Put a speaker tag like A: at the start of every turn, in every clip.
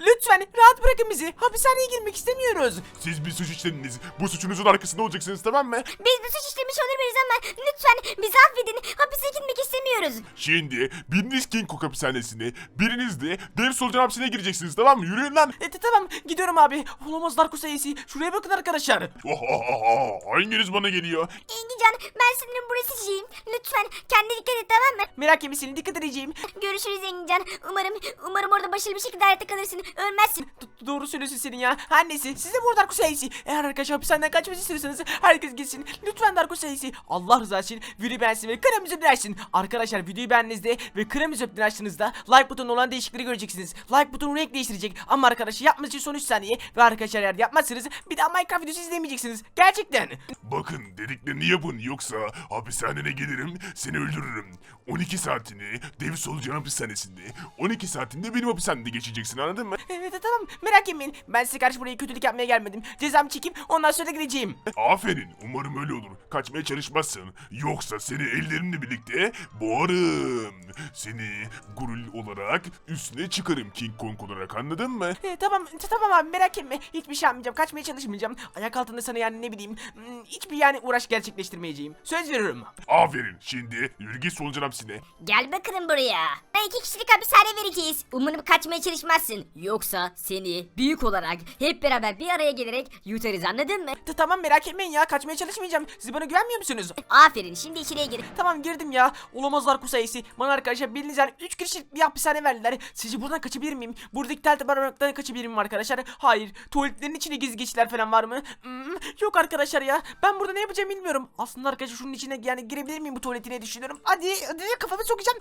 A: Lütfen rahat bırakın bizi. Hapishaneye girmek istemiyoruz.
B: Siz bir suç işlediniz. Bu suçunuzun arkasında olacaksınız, tamam mı?
C: Biz bu suç işlemiş olabiliriz ama lütfen bizi affedin. Hapise gitmek istemiyoruz.
B: Şimdi biriniz King Kong hapishanesine, biriniz de dev solucan hapishaneye gireceksiniz, tamam mı? Yürüyün lan.
A: Tamam gidiyorum abi. Olamaz Darko sayısı. Şuraya bakın arkadaşlar.
B: Hanginiz bana geliyor?
C: Engincan, ben sanırım burası şeyim. Lütfen kendine dikkat et, tamam mı?
A: Merak etme senin dikkat edeceğim.
C: Görüşürüz Engincan. Umarım orada başarılı bir şekilde hayatta kalırsın. Ölmezsin.
A: Doğru söylüyorsun senin ya. Her neyse siz de burada Darko sayısı. Eğer arkadaşlar hapishaneden kaçmak istiyorsanız herkes gitsin. Lütfen Darko sayısı. Allah rızası için videoyu beğensin ve kanalımıza abone olsun. Arkadaşlar videoyu beğendiğinizde ve kanalımıza abone açtığınızda like butonuna olan değişiklikleri göreceksiniz. Like butonu renk değiştirecek. Ama arkadaşlar yapmanız için son 3 saniye. Ve arkadaşlar eğer yapmazsanız bir daha Minecraft videosu izlemeyeceksiniz. Gerçekten.
B: Bakın dediklerini yapın, yoksa hapishanene gelirim, seni öldürürüm. 12 saatini dev solucan hapishanesinde, 12 saatinde benim hapishanemde geçeceksin, anladın mı?
A: Evet tamam merak etmeyin. Ben size karşı buraya kötülük yapmaya gelmedim. Cezamı çekip ondan sonra gideceğim.
B: Aferin, umarım öyle olur. Kaçmaya çalışmazsın. Yoksa seni ellerimle birlikte boğarım. Seni gurul olarak üstüne çıkarım, King Kong olarak, anladın mı?
A: Tamam abi merak etme. Hiçbir şey yapmayacağım. Kaçmaya çalışmayacağım. Ayak altında sana yani ne bileyim. Hiçbir yani uğraş gerçekleştirmeyeceğim. Söz veriyorum.
B: Aferin, şimdi yürü git solucan hapisine.
C: Gel bakalım buraya. 2 kişilik hapishane vereceğiz. Umarım kaçmaya çalışmazsın. Yoksa seni büyük olarak hep beraber bir araya gelerek yutarız, anladın mı?
A: Tamam merak etmeyin ya. Kaçmaya çalışmayacağım. Siz bana güvenmiyor musunuz?
C: Aferin, şimdi içeriye gir.
A: Tamam girdim ya. Olamazlar kusayısı. Bana arkadaşlar bildiğiniz yani 3 kişilik bir hapishane verdiler. Sizce buradan kaçabilir miyim? Buradaki tel barınaktan kaçabilir miyim arkadaşlar? Hayır. Tuvaletlerin içine gizli geçitler falan var mı? Yok arkadaşlar ya. Ben burada ne yapacağım bilmiyorum. Aslında arkadaşlar şunun içine yani girebilir miyim bu tuvaletine düşünüyorum. Hadi kafamı sokacağım.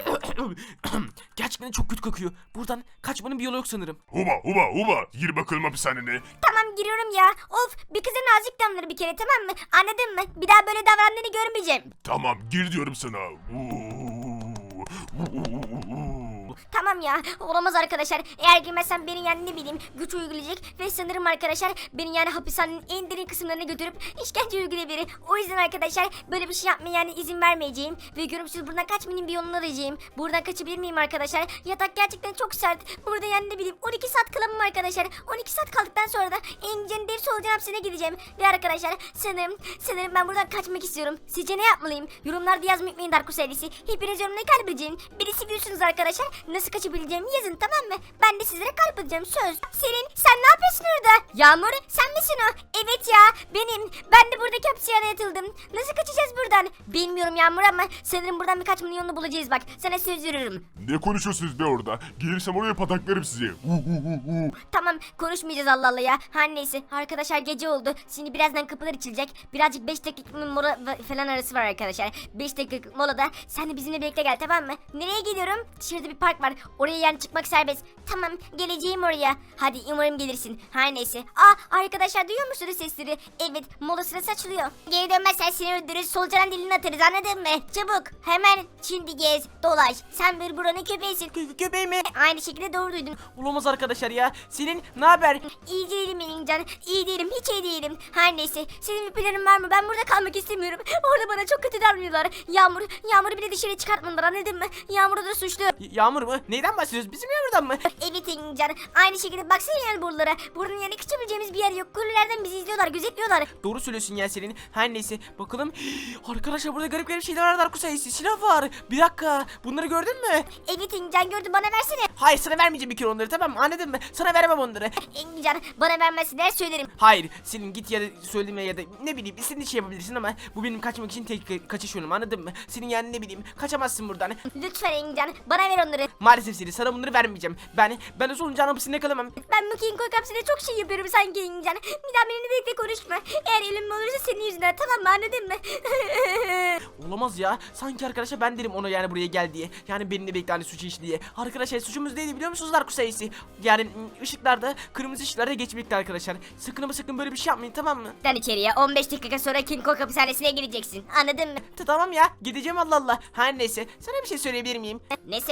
A: Gerçekten çok kötü kokuyor. Buradan kaçmanın bir yolu yok sanırım.
B: Huba, gir bakalım hapishanene.
C: Tamam, giriyorum ya. Of, bir kıza nazik davranır bir kere, tamam mı? Anladın mı? Bir daha böyle davrandığını görmeyeceğim.
B: Tamam, gir diyorum sana.
C: Tamam ya, olamaz arkadaşlar. Eğer girmezsem beni yani ne bileyim güç uygulayacak ve sanırım arkadaşlar beni yani hapishanenin en derin kısımlarına götürüp işkence uygulayabilir. O yüzden arkadaşlar böyle bir şey yapmaya yani izin vermeyeceğim ve görümsüz buradan kaçmanın bir yolunu arayacağım. Buradan kaçabilir miyim arkadaşlar? Yatak gerçekten çok sert. Burada yani ne bileyim 12 saat kalamam arkadaşlar. 12 saat kaldıktan sonra da Engincan'ın dev solucan hapisine gideceğim. Ve arkadaşlar sanırım ben buradan kaçmak istiyorum. Sizce ne yapmalıyım? Yorumlarda yazmayı unutmayın Darko serisi. Hepiniz yorumlara kalp edeceğim. Birisi biliyorsunuz arkadaşlar. Nasıl kaçabileceğimi yazın, tamam mı? Ben de sizlere kalp edeceğim, söz. Selin, sen ne yapıyorsun orada? Yağmur, sen misin o? Evet ya, benim. Ben de buradaki hapishaneye yatıldım. Nasıl kaçacağız buradan? Bilmiyorum Yağmur ama sanırım buradan bir kaçmanın yolunu bulacağız bak. Sana söz veriyorum.
B: Ne konuşuyorsunuz be orada? Gelirsem oraya pataklarım sizi.
C: Tamam, konuşmayacağız Allah Allah ya. Her neyse arkadaşlar, gece oldu. Şimdi birazdan kapılar açılacak. Birazcık 5 dakika mola falan arası var arkadaşlar. 5 dakika molada sen de bizimle birlikte gel, tamam mı? Nereye gidiyorum? Dışarıda bir park var. Oraya yani çıkmak serbest. Tamam, geleceğim oraya. Hadi umarım gelirsin. Her neyse. Arkadaşlar duyuyor musunuz sesleri? Evet, mola sırası açılıyor. Geri dönmezsen seni öldürürüz. Solucanın dilini atarız, anladın mı? Çabuk hemen şimdi gez dolaş. Sen bir buranın köpeğisin.
A: Köpeği mi?
C: Aynı şekilde doğru duydun.
A: Olamaz arkadaşlar ya. Selin ne haber?
C: İyi değilim Engincan. İyi değilim. Hiç iyi değilim. Her neyse. Senin bir planın var mı? Ben burada kalmak istemiyorum. Orada bana çok kötü davranıyorlar. Yağmur'u bile dışarı çıkartmadılar, anladın mı? Yağmur da suçlu.
A: Yağmur mu? Neyden bahsediyoruz? Bizim Yağmur'dan mı?
C: Evet Engincan. Aynı şekilde baksana yani buralara. Buranın yani kaçabileceğimiz bir yer yok. Kulelerden bizi izliyorlar, gözetliyorlar.
A: Doğru söylüyorsun ya Selin. Her neyse bakalım. Arkadaşlar burada garip şeyler var. Darko sayısı. Silah var. Bir dakika. Bunları gördün mü?
C: Evet Engincan, gördüm, bana versene.
A: Hayır sana vermeyeceğim bir kere onları, tamam mı? Anladın mı? Sana veremem onları.
C: Engincan, bana vermezsin der söylerim.
A: Hayır Selin git ya da söyleme ya da ne bileyim istediğin şey yapabilirsin ama bu benim kaçmak için tek kaçış yolum, anladın mı? Senin yani ne bileyim kaçamazsın buradan.
C: Lütfen Engincan, bana ver onları.
A: Maalesef Selin sana bunları vermeyeceğim. Ben o solucan hapisinde kalamam.
C: Ben bu King Kong hapsinde çok şey yapıyorum sanki Engincan. Bir daha benimle birlikte konuşma. Eğer ölüm olursa senin yüzünden, tamam mı, anladın mı?
A: Olamaz ya. Sanki arkadaşlar ben derim ona yani buraya gel diye. Yani benimle birlikte hani suçu iş diye. Arkadaşlar suçumuz neydi biliyor musunuz Darko sayısı? Yani ışıklarda kırmızı ışıklarda geçmekti arkadaşlar. Sakın ama sakın böyle bir şey yapmayın, tamam mı?
C: Sen içeriye 15 dakika sonra King Kong hapishanesine gireceksin. Anladın mı?
A: Tamam ya gideceğim Allah Allah. Her neyse sana bir şey söyleyebilir miyim?
C: Ne söyleyeceksin?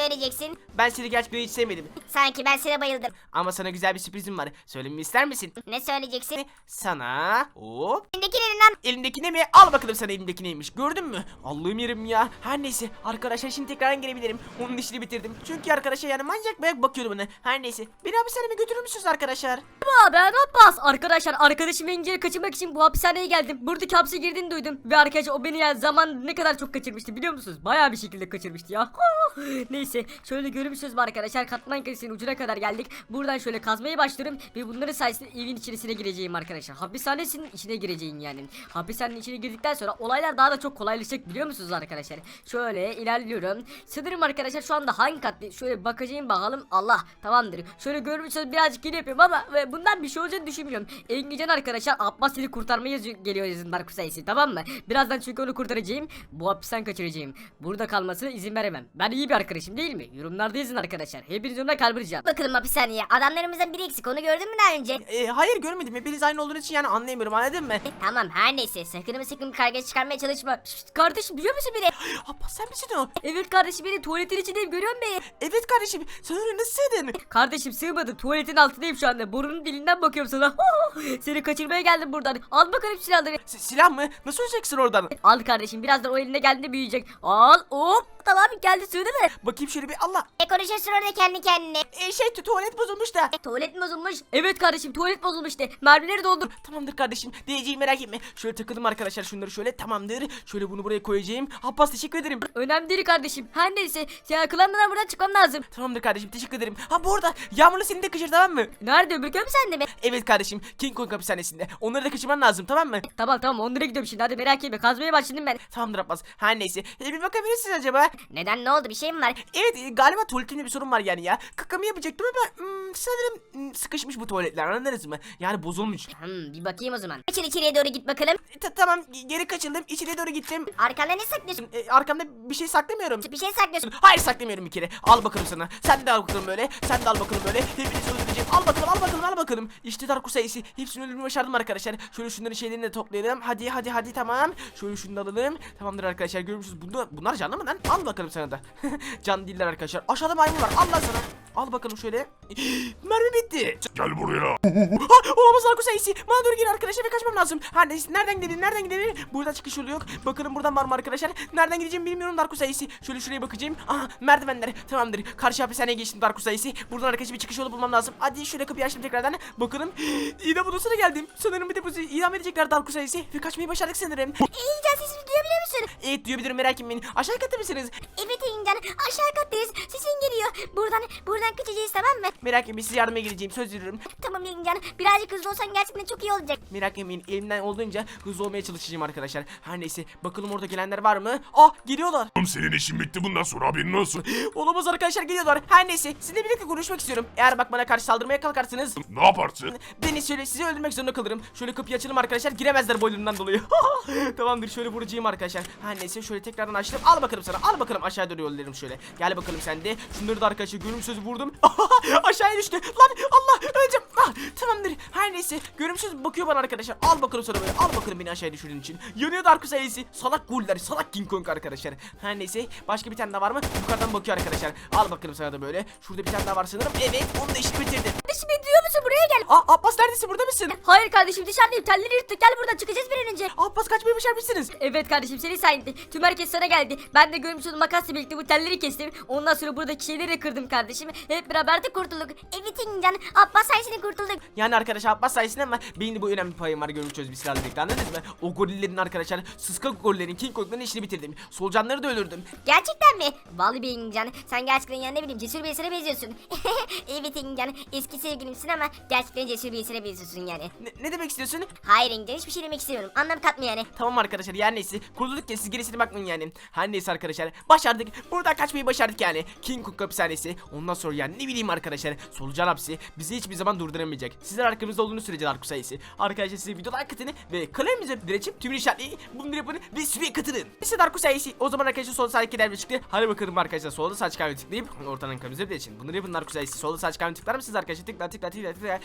C: sevdin?
A: Ben seni gerçekten hiç sevmedim.
C: Sanki ben sana bayıldım.
A: Ama sana güzel bir sürprizim var. Söylememi ister misin?
C: Ne söyleyeceksin?
A: Sana hop.
C: Elindeki ne lan?
A: Elindeki ne mi? Al bakalım sana elimdeki neymiş. Gördün mü? Allah'ım yerim ya. Her neyse arkadaşlar şimdi tekrar gelebilirim. Onun işini bitirdim. Çünkü arkadaşlar yani manyak manyak bakıyordu bana. Her neyse. Beni hapishaneme götürür müsünüz arkadaşlar?
D: Ben Abbas. Arkadaşlar arkadaşımı Engin'i kaçırmak için bu hapishaneye geldim. Buradaki hapse girdiğini duydum. Ve arkadaşlar o beni yani zaman ne kadar çok kaçırmıştı biliyor musunuz? Bayağı bir şekilde kaçırmıştı ya. Neyse şöyle görmüşsünüz mü arkadaşlar? Katman kresinin ucuna kadar geldik. Buradan şöyle kazmaya başlıyorum. Ve bunların sayesinde evin içerisine gireceğim arkadaşlar. Hapishanesinin içine gireceğim yani. Hapishanenin içine girdikten sonra olaylar daha da çok kolaylaşacak biliyor musunuz arkadaşlar? Şöyle ilerliyorum. Sanırım arkadaşlar şu anda hangi kat? Şöyle bakacağım bakalım. Allah tamamdır. Şöyle görmüşsünüz birazcık geri yapıyorum ama bundan bir şey olacağını düşünmüyorum. Engincan arkadaşlar Abbas seni kurtarmaya geliyor yazın Dark sayısı tamam mı? Birazdan çünkü onu kurtaracağım. Bu hapisten kaçıracağım. Burada kalmasına izin veremem. Ben iyi bir arkadaşım değil mi? Yorumlarda yazın arkadaşlar. Hepiniz ona kalbıracağım.
C: Bakalım hapishaneye. Adamlarımızdan biri eksik. Onu gördün mü daha önce?
A: Hayır görmedim. Hepiniz aynı olduğunuz için yani anlayamıyorum anladın mı?
C: Tamam her neyse. Sakın karga çıkarmaya çalışma. Şşt, kardeşim biliyor musun beni?
A: Abbas sen misin o?
D: Evet kardeşim beni tuvaletin içindeyim görüyor musun beni?
A: Evet kardeşim. Sen oraya nasıl sığdın?
D: Kardeşim sığmadım tuvaletin altındayım şu anda. Burnunun dilinden bakıyorum sana. Seni kaçırmaya geldim buradan. Al bakalım silahları.
A: Silah mı? Nasıl öleceksin oradan?
D: Al kardeşim birazdan o eline geldiğinde büyüyecek. Al hop tamam geldi sığdı mı?
A: Bakayım şöyle bir Allah.
C: Konuşuyorsun orada kendi kendine.
A: Tuvalet bozulmuş da.
D: Tuvalet mi bozulmuş? Evet kardeşim tuvalet bozulmuş de. Mermileri doldur.
A: Tamamdır kardeşim. Diyeceğim merak etme. Şöyle takıldım arkadaşlar şunları şöyle tamamdır. Şöyle bunu buraya koyacağım. Abbas teşekkür ederim.
D: Önemli değil kardeşim. Her neyse. Ya klandan buradan çıkmam lazım.
A: Tamamdır kardeşim teşekkür ederim. Ha bu arada Yağmur'la seni de kaçır tamam mı?
D: Nerede öbür köy mü sende mi?
A: Evet kardeşim King Kong hapishanesinde. Onları da kaçırman lazım tamam mı?
D: Tamam onlara gidiyorum şimdi hadi merak etme. Kazmaya başladım ben.
A: Tamamdır Abbas. Her neyse. Bir bakabilirsiniz acaba?
C: Neden ne oldu bir şey mi var?
A: Evet galiba tuvaletimde bir sorun var yani ya. Kakamı yapacaktım ama sanırım sıkışmış bu tuvaletler anladınız mı? Yani bozulmuş.
C: Bir bakayım o zaman. Açıl içeriye doğru git bakalım.
A: Tamam geri kaçıldım. İçeriye doğru gittim.
C: Arkanda ne saklıyorsun?
A: Arkamda bir şey saklamıyorum.
C: Bir şey saklıyorsun.
A: Hayır saklamıyorum bir kere. Al bakalım sana. Sen de al bakalım böyle. Sen de al bakalım böyle. Hepinizi öldüreceğim. Al bakalım. İşte Darko sayısı. Hepsini öldürmeyi başardım arkadaşlar. Şöyle şunların şeylerini de toplayalım. Hadi tamam. Şöyle şunu da alalım. Tamamdır arkadaşlar görmüşsünüz. Bunlar canlı mı lan? Al bakalım sana da. Can değiller arkadaşlar. Aşağıda maymun var. Al lan sana. Al bakalım şöyle. Mermi bitti.
B: Gel buraya.
A: Olamaz Darko sayısı. Bana doğru gelin arkadaşlar ve kaçmam lazım. Her neyse nereden gidelim? Buradan çıkış yolu yok. Bakalım buradan var mı arkadaşlar? Nereden gideceğimi bilmiyorum Darko sayısı. Şöyle şuraya bakacağım. Aha merdivenler. Tamamdır. Karşı hapishaneye geçtim Darko sayısı. Buradan arkadaşlar bir çıkış yolu bulmam lazım. Hadi şöyle kapıyı açtım tekrardan. Bakalım. İdam odasına geldim. Sanırım bir de bu idam edecekler Darko sayısı. Ve kaçmayı başardık sanırım.
C: İncan sesimi duyabiliyor musun?
A: Evet duyabilirim merak etmeyin. Aşağı katta mısınız?
C: Evet İncan aşağı kattayız. Sesin geliyor. Buradan kaçacağız tamam mı?
A: Merak etmeyin size yardıma geleceğim. Söz veriyorum.
C: Tamam İncan. Birazcık hızlı olsan gerçekten çok iyi olacak.
A: Merak etmeyin elimden olduğunca hızlı olmaya çalışacağım arkadaşlar. Her neyse bakalım orada gelenler var mı? Ah geliyorlar.
B: Oğlum senin işin bitti bundan sonra haberin olsun.
A: Olamaz arkadaşlar geliyorlar. Her neyse sizinle birlikte konuşmak istiyorum. Eğer bak bana karşı saldırmaya kalkarsınız
B: Ne yaparsın?
A: beni şöyle sizi öldürmek zorunda kalırım. Şöyle kapıyı açalım arkadaşlar. Giremezler boylarından dolayı. Tamamdır şöyle vuracağım arkadaşlar. Her neyse şöyle tekrardan açtım. Al bakalım sana. Al bakalım aşağı doğru yollarım şöyle. Gel bakalım sen de. Şunları da arkadaşlar görümsüz vurdum. Aşağıya düştü. Lan Allah öleceğim. Tamamdır. Her neyse görümsüz bakıyor bana arkadaşlar. Al bakalım sana böyle. Al bakalım beni aşağıya düşürdüğün için. Yanıyor Darko sayısı. Salak guller. Salak King Kong arkadaşlar. Her neyse başka bir tane daha var mı? Yukarıdan bakıyor arkadaşlar. Al bakalım sana da böyle. Şurada bir tane daha var sanırım. Evet onu da işini bitirdim.
D: Kardeşim beni duyuyor musun buraya gel.
A: Abbas neredesin? Burada mısın?
D: Hayır kardeşim dışarıdayım telleri yırttık gel buradan çıkacağız bir an önce.
A: Abbas kaçmayı başarmışsınız.
D: Evet kardeşim seni sayende. Tüm herkes sana geldi. Ben de görmüş olduğum makasla birlikte bu telleri kestim. Ondan sonra buradaki şeyleri de kırdım kardeşim. Hep beraber de kurtulduk.
C: Evet İncan. Abbas sayesinde kurtulduk.
A: Yani arkadaşlar Abbas sayesinde ama benim de bu önemli payım var görmüşüz bir silahla birlikte anladınız mı? O gorillerin arkadaşlar sıska gorillerin King Kong'ların işini bitirdim. Solucanları da öldürdüm.
C: Gerçekten mi? Vallahi bir İncan. Sen gerçekten yani ne bileyim cesur bir esere benziyorsun. Evet İncan. Eski sevgilimsin ama gerçekten cesur bir esere benziyorsun yani.
A: Ne demek istiyorsun?
C: Hayır İncan hiçbir şey demek istemiyorum. Anlam katma yani.
A: Tamam arkadaşlar yani neyse kurtulduk ya siz gerisine bakmayın yani. Her neyse arkadaşlar başardık. Buradan kaçmayı başardık yani. King Kong hapishanesi. Ondan sonra yani ne bileyim arkadaşlar. Solucan hapsi bizi hiçbir zaman durduramayacak. Sizler arkamızda olduğunuz sürece Darko sayısı. Arkadaşlar size videolar katılın ve kanalımıza direçip tüm işaretleyin. Bunları yapın ve süre katılın. İşte Darko sayısı. O zaman arkadaşlar sol sağ iki çıktı. Hadi bakalım arkadaşlar solda sağ çıkan tıklayıp ortadan kanalımıza direçin. Bunları yapın Darko sayısı. Solda sağ çıkan tıklar mısınız arkadaşlar? Tıkla. Ve arkadaşlar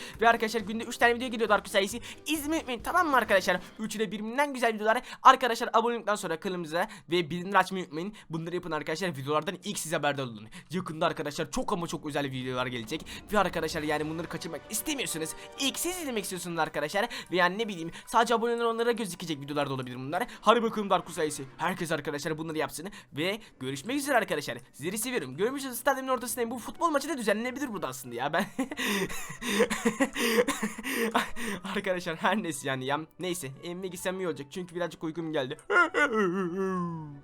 A: arkadaşlar günde 3 tane video geliyor Darkus sayısı. İzlemeyi unutmayın, tamam mı arkadaşlar? Üçü de birbirinden güzel videolar. Arkadaşlar abone olduktan sonra kanalımıza ve bildirimleri açmayı unutmayın. Bunları yapın arkadaşlar, videolardan ilk siz haberdar olun. Yakında arkadaşlar çok ama çok özel videolar gelecek. Ve arkadaşlar yani bunları kaçırmak istemiyorsunuz. İlk siz izlemek istiyorsunuz arkadaşlar. Ve yani ne bileyim sadece aboneler onlara gözükecek videolar da olabilir bunlar. Hadi bakalım Darkus sayısı. Herkes arkadaşlar bunları yapsın. Ve görüşmek üzere arkadaşlar. Sizleri seviyorum. Görmüşsünüz stadyumun ortasındayım. Bu futbol maçı da düzenlenebilir burada aslında ya. Ben arkadaşlar her neyse yani ya. Neyse evime gitsem iyi olacak. Çünkü birazcık uykum geldi.